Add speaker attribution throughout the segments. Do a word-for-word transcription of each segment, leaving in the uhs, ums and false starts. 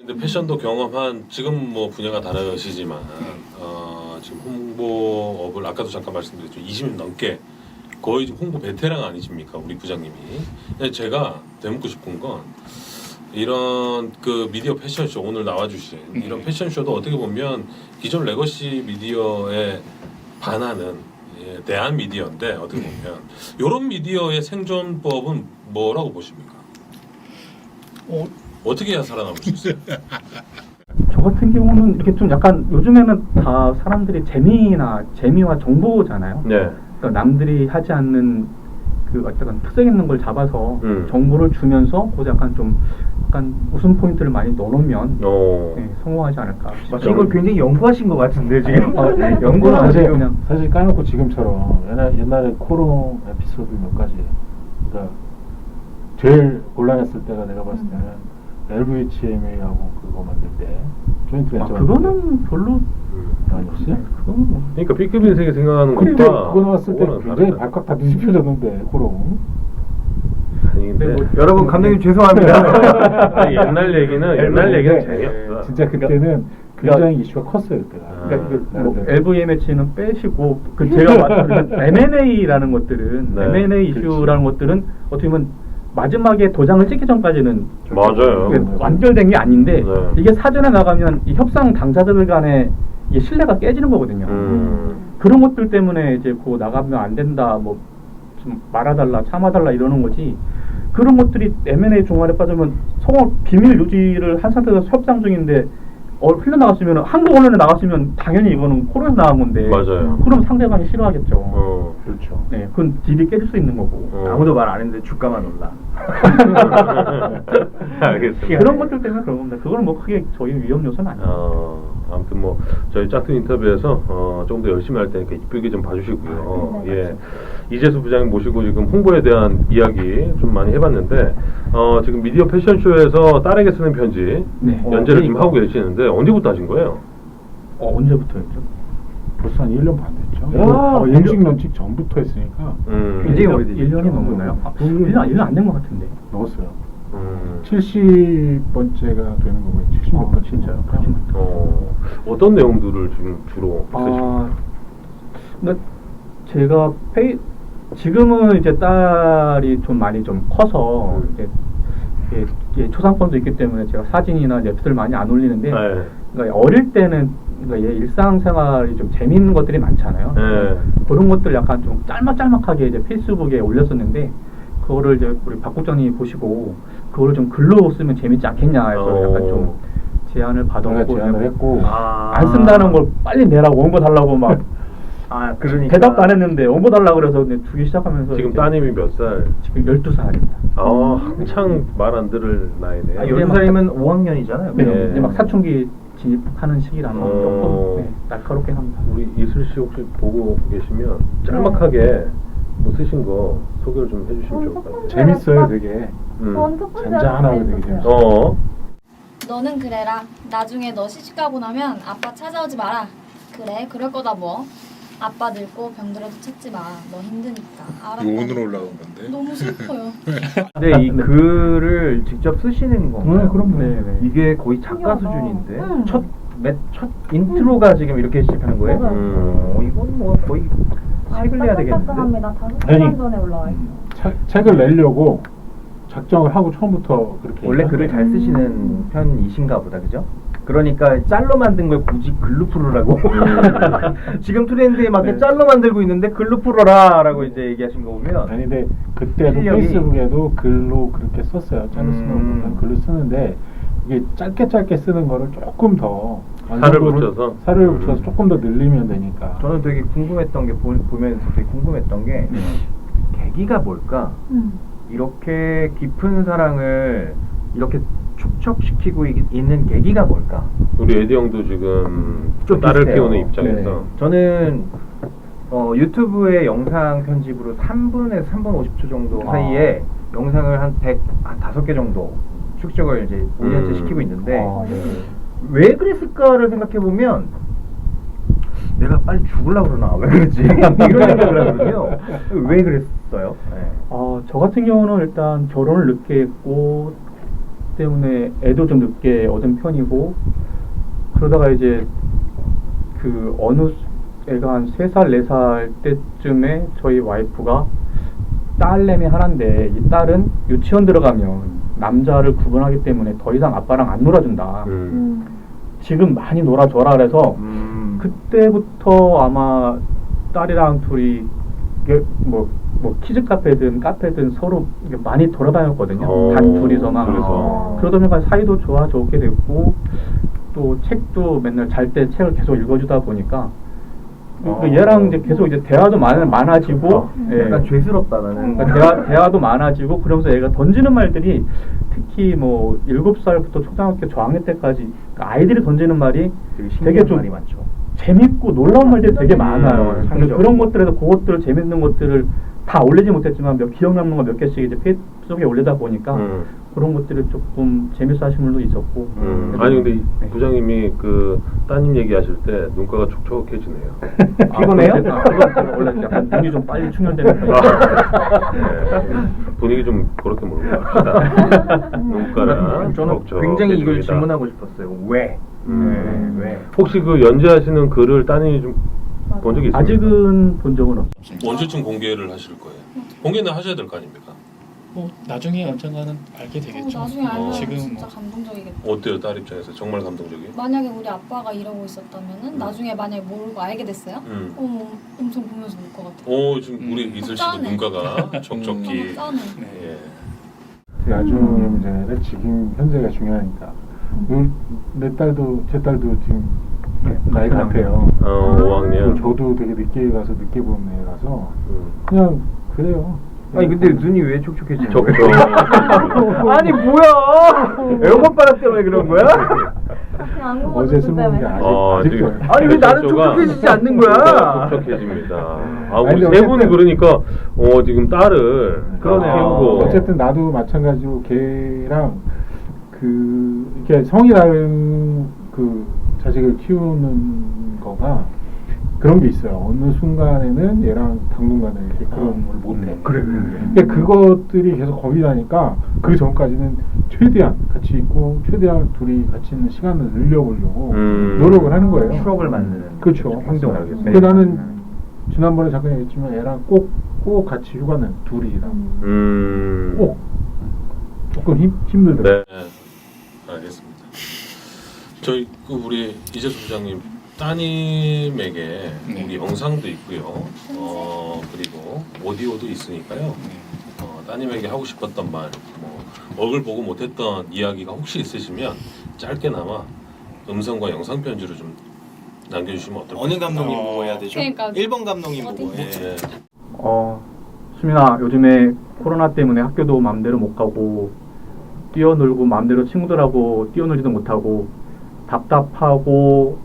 Speaker 1: 근데 패션도 경험한 지금 뭐 분야가 다르시지만 어, 지금 홍보업을 아까도 잠깐 말씀드렸죠. 이십 년 넘게 거의 지금 홍보 베테랑 아니십니까 우리 부장님이. 근데 제가 되묻고 싶은 건 이런 그 미디어 패션쇼 오늘 나와주신 이런 패션쇼도 어떻게 보면 기존 레거시 미디어에 반하는 예, 대한 미디어인데 어떻게 보면 이런 미디어의 생존법은 뭐라고 보십니까? 어, 어떻게 해야 살아남을 수 있어요?
Speaker 2: 저 같은 경우는 이렇게 좀 약간 요즘에는 다 사람들이 재미나 재미와 정보잖아요.
Speaker 1: 네.
Speaker 2: 그러니까 남들이 하지 않는 그 어떤 특색 있는 걸 잡아서
Speaker 1: 음.
Speaker 2: 정보를 주면서 거기서 약간 좀 약간 웃음 포인트를 많이 넣어놓으면
Speaker 1: 어.
Speaker 2: 네, 성공하지 않을까.
Speaker 3: 마치 이걸 굉장히 연구하신 것 같은데 지금.
Speaker 2: 어, 네,
Speaker 3: 연구를
Speaker 2: 사실
Speaker 3: 하세요.
Speaker 2: 그냥
Speaker 4: 사실 까놓고 지금처럼 옛날, 옛날에 코롱 에피소드 몇 가지, 그러니까 제일 곤란했을 때가 내가 봤을 때는 엘브이에이치엠에이하고 그거 만들 때 조인트
Speaker 2: 아,
Speaker 4: 벤처
Speaker 2: 그거는 별로
Speaker 4: 아니었어요?
Speaker 2: 그건 뭐
Speaker 1: 그러니까 B급 인생이 생각하는
Speaker 4: 근데
Speaker 1: 것과
Speaker 4: 그거 나왔을 때
Speaker 1: 그거는
Speaker 4: 굉장히
Speaker 1: 다르다.
Speaker 4: 발칵 다 뒤집혀졌는데 코롱.
Speaker 1: 아니 근데
Speaker 2: 뭐,
Speaker 3: 여러분 감독님 죄송합니다.
Speaker 1: 아니, 옛날 얘기는 옛날 얘기는 재미없어.
Speaker 4: 진짜 그때는 굉장히 이슈가 컸어요 그때가.
Speaker 2: 그러니까 그 뭐
Speaker 4: 나름대로.
Speaker 2: 엘브이엠에이치는 빼시고 그 제가 말씀드린 엠앤에이라는 것들은
Speaker 1: 네,
Speaker 2: 엠앤에이 이슈라는 것들은 어떻게 보면 마지막에 도장을 찍기 전까지는
Speaker 1: 맞아요.
Speaker 2: 그게 완결된 게 아닌데
Speaker 1: 네.
Speaker 2: 이게 사전에 나가면 이 협상 당사자들 간에 이 신뢰가 깨지는 거거든요.
Speaker 1: 음.
Speaker 2: 그런 것들 때문에 이제 그 나가면 안 된다, 뭐 좀 말아달라, 참아달라 이러는 거지. 그런 것들이 엠앤에이 종말에 빠지면 서로 비밀 유지를 한 상태에서 협상 중인데 어, 흘러나갔으면 한국 언론에 나갔으면 당연히 이거는 코로나에서 나간 건데.
Speaker 1: 맞아요.
Speaker 2: 그럼 상대방이 싫어하겠죠.
Speaker 1: 어.
Speaker 4: 그렇죠.
Speaker 2: 네, 그건 딜이 깨질 수 있는 거고.
Speaker 1: 어.
Speaker 3: 아무도 말 안 했는데 주가만 올라.
Speaker 1: 알겠습니다.
Speaker 2: 그런 것들 때문에 그런 겁니다. 그거는 뭐 크게 저희 위험 요소는 아니에요.
Speaker 1: 어, 아무튼 뭐 저희 짝퉁 인터뷰에서 어, 조금 더 열심히 할 테니까 이쁘게 좀 봐주시고요.
Speaker 5: 네,
Speaker 1: 예, 이재수 부장님 모시고 지금 홍보에 대한 이야기 좀 많이 해봤는데 어, 지금 미디어 패션쇼에서 딸에게 쓰는 편지
Speaker 2: 네.
Speaker 1: 연재를
Speaker 2: 어,
Speaker 1: 지금 하고 계시는데 언제부터 하신 거예요?
Speaker 2: 어, 언제부터였죠?
Speaker 4: 벌써 한 일 년 반 됐죠.
Speaker 2: 와,
Speaker 4: 어,
Speaker 2: 일 년.
Speaker 4: 임직 런칭 전부터 했으니까
Speaker 1: 음,
Speaker 3: 굉장히 오래되죠.
Speaker 2: 일 년이 넘었나요? 아,
Speaker 4: 일 년.
Speaker 2: 일 년, 일 년 안 된 것 같은데.
Speaker 4: 넣었어요.
Speaker 1: 음,
Speaker 4: 칠십 번째가 되는 거고요. 칠십 몇
Speaker 2: 아,
Speaker 4: 번째.
Speaker 2: 진짜요? 그렇구나.
Speaker 1: 어, 어떤 내용들을 지금 주로 쓰시나요?
Speaker 2: 아, 근데 제가 페이 지금은 이제 딸이 좀 많이 좀 커서
Speaker 1: 음.
Speaker 2: 이제 이게, 이게 초상권도 있기 때문에 제가 사진이나 랩스를 많이 안 올리는데
Speaker 1: 네.
Speaker 2: 그러니까 어릴 때는 그러니까 얘 일상생활이 좀 재밌는 것들이 많잖아요.
Speaker 1: 네.
Speaker 2: 그런 것들 약간 좀 짤막짤막하게 이제 페이스북에 올렸었는데 그거를 이제 우리 박 국장님이 보시고 그거를 좀 글로 쓰면 재밌지 않겠냐 해서
Speaker 1: 어.
Speaker 2: 약간 좀 제안을
Speaker 4: 제가
Speaker 2: 받았고
Speaker 4: 제안을 했고
Speaker 3: 아.
Speaker 2: 안 쓴다는 걸 빨리 내라고 원고 달라고 막
Speaker 3: 아 그러니까.
Speaker 2: 대답도 안 했는데 원고 달라고 그래서 이제 주기 시작하면서
Speaker 1: 지금
Speaker 2: 이제
Speaker 1: 따님이 몇 살?
Speaker 2: 지금 열두 살입니다.
Speaker 1: 아, 한창 말 안 들을 나이네요.
Speaker 3: 아, 열두 살이면 오 학년이잖아요.
Speaker 2: 네.
Speaker 1: 네.
Speaker 2: 이제 막 사춘기 진입하는 시기라는 건
Speaker 1: 어.
Speaker 2: 조금 네, 날카롭게 합니다.
Speaker 1: 우리 이슬 씨 혹시 보고 계시면 짤막하게 뭐 쓰신 거 소개를 좀 해주시면 좋을 것 같아요.
Speaker 4: 재밌어요, 되게.
Speaker 1: 음.
Speaker 5: 전 첫 번째
Speaker 4: 잔잔하고 되게
Speaker 5: 재밌었어요.
Speaker 4: 재밌어요.
Speaker 1: 어.
Speaker 5: 너는 그래라. 나중에 너 시집가고 나면 아빠 찾아오지 마라. 그래, 그럴 거다 뭐. 아빠 늙고 병들어도 찾지 마. 너 힘드니까. 알았다.
Speaker 6: 오늘 올라온 건데.
Speaker 5: 너무 슬퍼요.
Speaker 3: 근데 이 글을 직접 쓰시는 건가요?
Speaker 4: 네, 그럼요.
Speaker 2: 네, 네.
Speaker 3: 이게 거의 작가
Speaker 5: 신기하다.
Speaker 3: 수준인데
Speaker 5: 응.
Speaker 3: 첫, 맨, 첫 인트로가 지금 이렇게 시작하는 거예요?
Speaker 5: 맞아요.
Speaker 1: 음.
Speaker 3: 어, 이건 뭐 거의 책을 내야 되겠는데?
Speaker 5: 따끈따끈합니다. 다섯
Speaker 4: 아니.
Speaker 5: 시간 전에 올라와 있어요.
Speaker 4: 책- 책을 내려고 작정을 하고 처음부터 그렇게
Speaker 3: 원래
Speaker 4: 얘기한
Speaker 3: 글을
Speaker 4: 거예요.
Speaker 3: 잘 쓰시는 편이신가 보다, 그죠? 그러니까 짤로 만든 걸 굳이 글로 풀으라고 지금 트렌드에 맞게
Speaker 4: 네.
Speaker 3: 짤로 만들고 있는데 글로 풀어라 라고 이제 얘기하신 거 보면
Speaker 4: 아니 근데 그때도
Speaker 3: 실력이-
Speaker 4: 페이스북에도 글로 그렇게 썼어요. 짧게 쓰는
Speaker 3: 음.
Speaker 4: 부분 글로 쓰는데 이게 짧게 짧게 쓰는 거를 조금 더
Speaker 1: 살을
Speaker 4: 완성도를-
Speaker 1: 붙여서?
Speaker 4: 살을
Speaker 1: 음.
Speaker 4: 붙여서 조금 더 늘리면 되니까.
Speaker 3: 저는 되게 궁금했던 게 보, 보면서 되게 궁금했던 게 계기가 뭘까?
Speaker 5: 음.
Speaker 3: 이렇게 깊은 사랑을 이렇게 축적시키고 이- 있는 계기가 뭘까?
Speaker 1: 우리 에디 형도 지금
Speaker 3: 좀
Speaker 1: 딸을
Speaker 3: 비슷해요.
Speaker 1: 키우는 입장에서
Speaker 4: 네.
Speaker 3: 저는 어, 유튜브의 영상 편집으로 삼 분에서 삼 분 오십 초 정도
Speaker 4: 아.
Speaker 3: 사이에 영상을 한 백, 한 다섯 개 정도 축적을 이제 오 년째
Speaker 1: 음.
Speaker 3: 시키고 있는데
Speaker 4: 아, 네.
Speaker 3: 왜 그랬을까를 생각해보면 내가 빨리 죽으려고 그러나 왜 그러지? 이런 생각을 하거든요. 왜 그랬어요? 네.
Speaker 2: 어, 저 같은 경우는 일단 결혼을 늦게 했고 때문에 애도 좀 늦게 얻은 편이고 그러다가 이제 그 어느 애가 한 세 살, 네 살 때쯤에 저희 와이프가 딸내미 하나인데 이 딸은 유치원 들어가면 남자를 구분하기 때문에 더 이상 아빠랑 안 놀아준다.
Speaker 1: 음.
Speaker 2: 지금 많이 놀아줘라 그래서
Speaker 3: 음.
Speaker 2: 그때부터 아마 딸이랑 둘이 이게 뭐, 뭐 키즈 카페든 카페든 서로 이게 많이 돌아다녔거든요.
Speaker 1: 어,
Speaker 2: 단 둘이서만.
Speaker 1: 그래서.
Speaker 2: 그러다 보니까 사이도 좋아졌게 됐고 또 책도 맨날 잘 때 책을 계속 읽어주다 보니까
Speaker 3: 어.
Speaker 2: 그 얘랑 이제 계속 이제 대화도 많, 많아지고 예.
Speaker 3: 약간 죄스럽다 나는.
Speaker 2: 그러니까 대화, 대화도 많아지고 그러면서 얘가 던지는 말들이 특히 뭐 일곱 살부터 초등학교 저학년 때까지 그러니까 아이들이 던지는 말이
Speaker 3: 되게
Speaker 2: 되게
Speaker 3: 신기한
Speaker 2: 좀
Speaker 3: 말이 많죠.
Speaker 2: 재밌고 놀라운 말들이 되게 많아요.
Speaker 3: 음,
Speaker 2: 근데
Speaker 3: 창의적이고.
Speaker 2: 그런 것들에서 그것들 재밌는 것들을 다 올리지 못했지만 몇 기억 남는 거 몇 개씩 이제 페이스북에 올리다 보니까
Speaker 1: 음.
Speaker 2: 그런 것들을 조금 재밌어 하시는 분도 있었고.
Speaker 1: 음.
Speaker 2: 그래서-
Speaker 1: 아니 근데 이
Speaker 2: 네.
Speaker 1: 부장님이 그 따님 얘기하실 때 눈가가 촉촉해지네요.
Speaker 2: 아,
Speaker 3: 피곤해요?
Speaker 2: 그건 제가- 그건 제가 원래 약간 눈이 좀 빨리 충혈되는 편이에요.
Speaker 1: 네. 분위기 좀 그렇게 몰고 갑시다. 눈가랑
Speaker 3: 저는
Speaker 1: 촉촉해집니다.
Speaker 3: 굉장히 이걸 질문하고 싶었어요. 왜?
Speaker 1: 음.
Speaker 3: 네, 왜?
Speaker 1: 혹시 그 연재하시는 글을 따님이 좀 본 적이 있습니까?
Speaker 2: 아직은 본 적은 없어요.
Speaker 1: 언제쯤 공개를 하실 거예요? 공개는 하셔야 될 거 아닙니까?
Speaker 6: 뭐 나중에 언젠가는 알게 되겠죠.
Speaker 5: 어, 나중에 알면
Speaker 1: 어.
Speaker 6: 지금
Speaker 5: 진짜
Speaker 6: 뭐
Speaker 5: 감동적이겠다.
Speaker 1: 어때요, 딸 입장에서 정말 감동적이에요?
Speaker 5: 만약에 우리 아빠가 이러고 있었다면은
Speaker 1: 음.
Speaker 5: 나중에 만약에 모르고 알게 됐어요?
Speaker 1: 음.
Speaker 5: 어, 엄청 보면서 울 것 같아.
Speaker 1: 오 지금
Speaker 6: 음.
Speaker 1: 우리 이슬 씨도
Speaker 5: 짠해.
Speaker 1: 눈가가 촉촉히.
Speaker 5: 너무 짠해.
Speaker 1: 예.
Speaker 4: 나중 문제는 지금 현재가 중요하니까. 요- 내 딸도 제 딸도 지금 나이 같아요.
Speaker 1: 어, 오 학년.
Speaker 4: 저도 되게 늦게 가서 늦게 본 애라서
Speaker 1: 음.
Speaker 4: 그냥 그래요.
Speaker 3: 아니 근데 눈이 왜 촉촉해지는
Speaker 1: 촉촉.
Speaker 3: 거예요? 아니 뭐야? 에어컨 바람 때문에 그런 거야?
Speaker 4: 어제 술 먹은 게 아직
Speaker 1: 어,
Speaker 4: 아직도.
Speaker 1: 지금
Speaker 3: 아니 왜 나는
Speaker 1: 촉촉가-
Speaker 3: 촉촉해지지 않는 거야?
Speaker 1: 눈가가 촉촉해집니다. 아
Speaker 4: 아니,
Speaker 1: 우리
Speaker 4: 근데
Speaker 1: 세 분이
Speaker 4: 어쨌든-
Speaker 1: 그러니까 어 지금 딸을
Speaker 3: 그러네요.
Speaker 1: 키우고
Speaker 4: 어쨌든 나도 마찬가지로 걔랑 그 이렇게 성이라는 그 자식을 키우는 거가 그런 게 있어요. 어느 순간에는 얘랑 당분간은 이렇게 그런 걸 못해.
Speaker 3: 음, 그래, 그래, 그래.
Speaker 4: 근데 그것들이 계속 겁이 나니까 그 전까지는 최대한 같이 있고 최대한 둘이 같이 있는 시간을 늘려보려고
Speaker 1: 음.
Speaker 4: 노력을 하는 거예요.
Speaker 3: 추억을 만드는
Speaker 4: 그렇죠.
Speaker 3: 행동을
Speaker 1: 네.
Speaker 3: 하겠어요.
Speaker 4: 근데 나는 지난번에 잠깐 얘기했지만 얘랑 꼭, 꼭 같이 휴가는 둘이랑
Speaker 1: 음.
Speaker 4: 꼭 조금 힘, 힘들더라고요.
Speaker 1: 네. 알겠습니다. 저희 그 우리 이재수 부장님 따님에게
Speaker 6: 네.
Speaker 1: 우리 영상도 있고요. 어 그리고 오디오도 있으니까요.
Speaker 6: 네.
Speaker 1: 어, 따님에게 하고 싶었던 말, 뭐 얼굴 보고 못했던 이야기가 혹시 있으시면 짧게나마 음성과 영상 편지로 좀 남겨주시면 어떨까요?
Speaker 7: 어느 감독님
Speaker 6: 어.
Speaker 7: 보고 해야 되죠?
Speaker 5: 그러니까
Speaker 7: 일 번 감독님
Speaker 5: 어디?
Speaker 7: 보고 해.
Speaker 1: 네.
Speaker 2: 어, 수민아, 요즘에 코로나 때문에 학교도 마음대로 못 가고 뛰어놀고 마음대로 친구들하고 뛰어놀지도 못하고 답답하고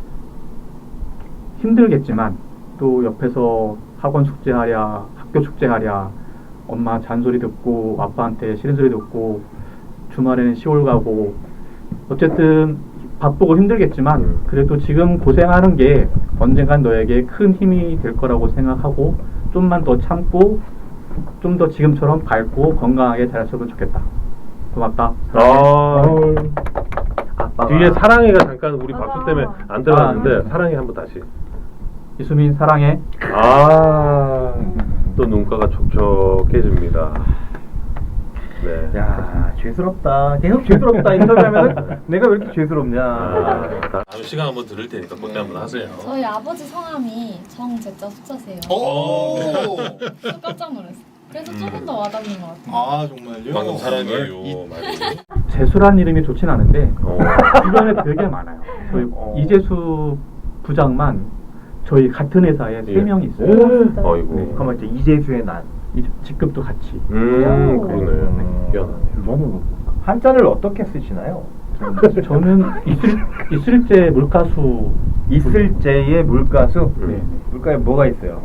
Speaker 2: 힘들겠지만 또 옆에서 학원 숙제하랴, 학교 숙제하랴, 엄마 잔소리 듣고 아빠한테 싫은 소리 듣고 주말에는 시골 가고 어쨌든 바쁘고 힘들겠지만
Speaker 1: 음.
Speaker 2: 그래도 지금 고생하는 게 언젠간 너에게 큰 힘이 될 거라고 생각하고 좀만 더 참고 좀 더 지금처럼 밝고 건강하게 자랐으면 좋겠다. 고맙다.
Speaker 1: 아,
Speaker 3: 아빠가
Speaker 1: 뒤에 사랑해가 잠깐 우리 박수 때문에 안 들어갔는데
Speaker 2: 아.
Speaker 1: 사랑해 한번 다시.
Speaker 2: 이수민 사랑해.
Speaker 1: 아, 또 눈가가 촉촉해집니다. 네.
Speaker 3: 야 죄스럽다. 계속 죄스럽다 인터뷰하면 내가 왜 이렇게 죄스럽냐?
Speaker 1: 아, 다음 시간 한번 들을 테니까 그때 한번 하세요.
Speaker 5: 저희 아버지 성함이 정제자 숫자세요.
Speaker 7: 오.
Speaker 5: 저 깜짝 놀랐어. 그래서
Speaker 1: 음.
Speaker 5: 조금 더 와닿는 것 같아요.
Speaker 7: 아 정말요?
Speaker 1: 방금 사랑해요
Speaker 7: 이-
Speaker 1: 말이.
Speaker 2: 재수란 이름이 좋진 않은데
Speaker 1: 어.
Speaker 2: 주변에 되게 많아요. 저희
Speaker 3: 어.
Speaker 2: 이재수 부장만 저희 같은 회사에 세
Speaker 1: 예.
Speaker 2: 명이 있어요.
Speaker 1: 어이구.
Speaker 2: 네.
Speaker 3: 잠깐만 이제 이재수의 난
Speaker 2: 이- 직급도 같이.
Speaker 1: 음,
Speaker 5: 오.
Speaker 1: 그러네. 희한하네요.
Speaker 4: 이거는
Speaker 3: 한자를 어떻게 쓰시나요?
Speaker 2: 저는 이슬 이슬제 물가수.
Speaker 3: 이슬제의 물가수.
Speaker 1: 음.
Speaker 2: 네.
Speaker 3: 물가에 뭐가 있어요?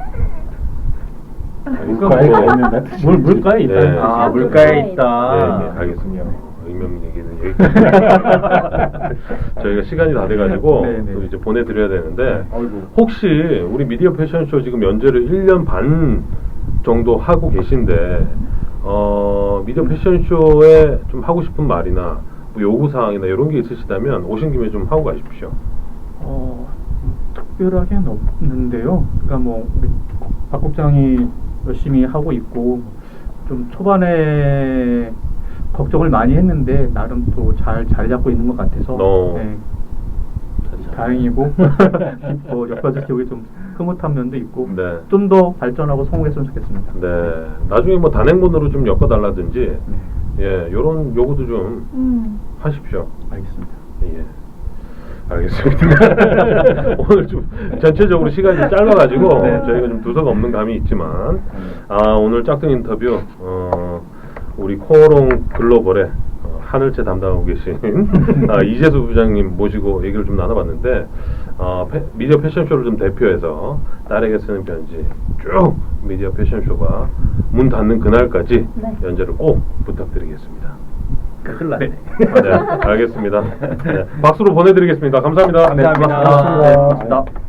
Speaker 4: 물가에 가 있는다.
Speaker 2: 물 물가에 있다는
Speaker 1: 네.
Speaker 2: 뜻이죠.
Speaker 3: 아 물가에
Speaker 1: 네,
Speaker 3: 있다.
Speaker 1: 네, 알겠습니다. 의명 얘기는 여기까지. 저희가 시간이 다 돼가지고
Speaker 2: 네, 네.
Speaker 1: 또 이제 보내드려야 되는데
Speaker 3: 어이구.
Speaker 1: 혹시 우리 미디어 패션쇼 지금 연재를 일 년 반 정도 하고 계신데 어, 미디어 패션쇼에 좀 하고 싶은 말이나 뭐 요구사항이나 이런 게 있으시다면 오신 김에 좀 하고 가십시오.
Speaker 2: 어, 특별하게는 없는데요. 그러니까 뭐 우리 박 국장이 열심히 하고 있고 좀 초반에 걱정을 많이 했는데 나름 또 잘 자리 잡고 있는 것 같아서
Speaker 1: 어.
Speaker 2: 네, 다행이고 뭐 옆에서 기억이 좀 흐뭇한 면도 있고
Speaker 1: 네.
Speaker 2: 좀 더 발전하고 성공했으면 좋겠습니다.
Speaker 1: 네. 나중에 뭐 단행본으로 좀 엮어달라든지
Speaker 2: 네,
Speaker 1: 예, 요런 요구도 좀
Speaker 5: 음.
Speaker 1: 하십시오.
Speaker 2: 알겠습니다.
Speaker 1: 예. 알겠습니다. 오늘 좀 전체적으로 시간이 좀 짧아가지고
Speaker 2: 네.
Speaker 1: 저희가 좀 두서가 없는 감이 있지만 아 오늘 짝퉁 인터뷰 어, 우리 코오롱 글로벌의 어, 하늘채 담당하고 계신 아, 이재수 부장님 모시고 얘기를 좀 나눠봤는데 어, 패, 미디어 패션쇼를 좀 대표해서 딸에게 쓰는 편지 쭉 미디어 패션쇼가 문 닫는 그날까지
Speaker 5: 네.
Speaker 1: 연재를 꼭 부탁드리겠습니다.
Speaker 3: 큰일 났네.
Speaker 1: 아, 네, 알겠습니다. 네, 박수로 보내드리겠습니다. 감사합니다.
Speaker 3: 감사합니다.
Speaker 2: 네, 고맙습니다.